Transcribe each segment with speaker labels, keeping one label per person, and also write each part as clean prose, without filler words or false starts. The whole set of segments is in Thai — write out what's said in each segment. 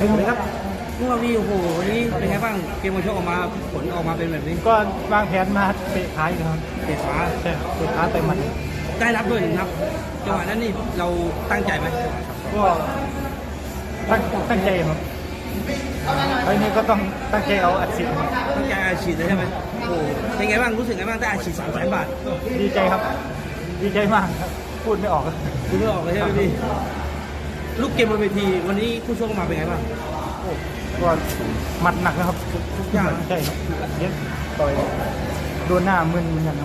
Speaker 1: สวัสดีครับลูกอาวีโอ้โหวันนี้เป็นไงบ้างเกมมวยชกออกมาผลออกมาเป็นแบบนี้
Speaker 2: ก็วางแผนมาเตะขาอยู่ครับ
Speaker 1: เตะขา
Speaker 2: ใช่เตะขาเตะมัน
Speaker 1: ได้รับด้วยนะครับจังหวะนั้นนี่เราตั้งใจไหม
Speaker 2: ก็ตั้งใจครับไอ้นี่ก็ต้องตั้งใจเอาอัดฉีดครับ
Speaker 1: ตั้งใจอาชีพเลยใช่ไหมโอ้โหเป็นไงบ้างรู้สึกไงบ้างได้อาชีพ300,000 บาท
Speaker 2: ดีใจครับ ดีใจมากครับพูดไม่ออกครับ
Speaker 1: คุณไม่ออกเลยใช่ไหมพี่ลูกเกมบนเวทีวันนี้ผู้ชกมาเป็นไงบ้าง
Speaker 2: ก็หมัดหนักนะครับ
Speaker 1: ทุกอย่าง
Speaker 2: ใช่ครับเย็บต่อยโดนหน้ามึนเหมือนกันครับ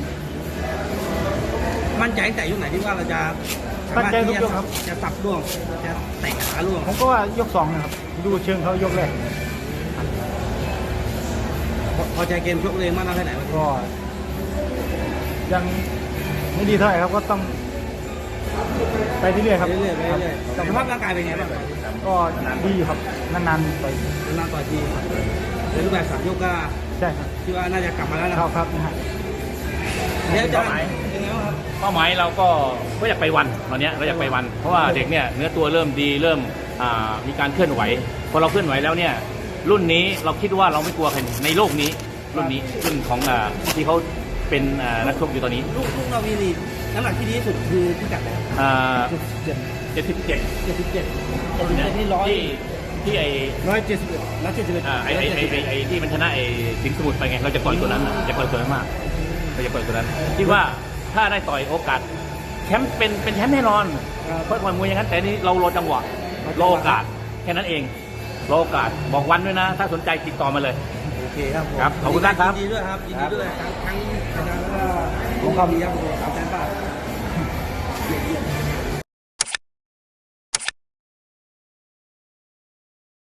Speaker 1: มั่นใจตั้งแต่ยกไหนที่ว่าเราจะสามารถที่จะสับล่วงจะเตะขาล่วง
Speaker 2: ผมก็ว่ายกสองนะครับดูเชิงเขายกแรก
Speaker 1: พอใจเกมชกเองมากน้อยแค่ไหน
Speaker 2: ก็ยังไม่ดีเท่าไหร่ครับก็ต้องไปเรื่อยๆครับ
Speaker 1: เรื่อยๆไปเรื่อยๆสภาพร่างกายเป็นไงบ้าง
Speaker 2: ก็ดีอยู่ครับนานๆไป
Speaker 1: นานต่อทีในรูปแบบ3 ยกก็
Speaker 2: ใช่ครับ
Speaker 1: คิดว่าน่าจะกลับมาแล้วนะ
Speaker 2: เข้าครับนะฮะ
Speaker 1: เดี๋ยวจะเป็นไงบ้างครับ
Speaker 3: เป้าหมายเราก็อยากไปวันตอนนี้เราอยากไปวัน เพราะว่าเด็กเนี่ยเนื้อตัวเริ่มดีเริ่มมีการเคลื่อนไหวพอเราเคลื่อนไหวแล้วเนี่ยรุ่นนี้เราคิดว่าเราไม่กลัวใครในโลกนี้รุ่นนี้รุ่นของที่เขาเป็นนักชกอยู่ตอนนี้
Speaker 1: ลูกเรามีนี่น้ำหนักที่ดีที่สุดคือพิกัดไหนครับ
Speaker 3: 77
Speaker 1: 77นี่
Speaker 3: ที่ไอ้
Speaker 1: 171
Speaker 3: ไอ้ที่มันชนะไอ้สิงห์สมุทรไปไงเราจะปล่อยตัวนั้นจะปล่อยตัวนั้นมากเราจะปล่อยตัวนั้นคิดว่าถ้าได้ต่อยโอกาสแชมป์เป็นแชมป์แน่นอนเพราะมวยอย่างนั้นแต่นี่เรารอจังหวะรอโอกาสแค่นั้นเองรอโอกาสบอกวันด้วยนะ ถ้าสนใจติดต่อมาเลย
Speaker 1: โอเคครับ
Speaker 3: ครับขอบคุณครับ
Speaker 1: ยินดีด้วยครับยินดีด้วยทั้งอาจารย์แล้วก็ลูกความดีครับ300,000 บาท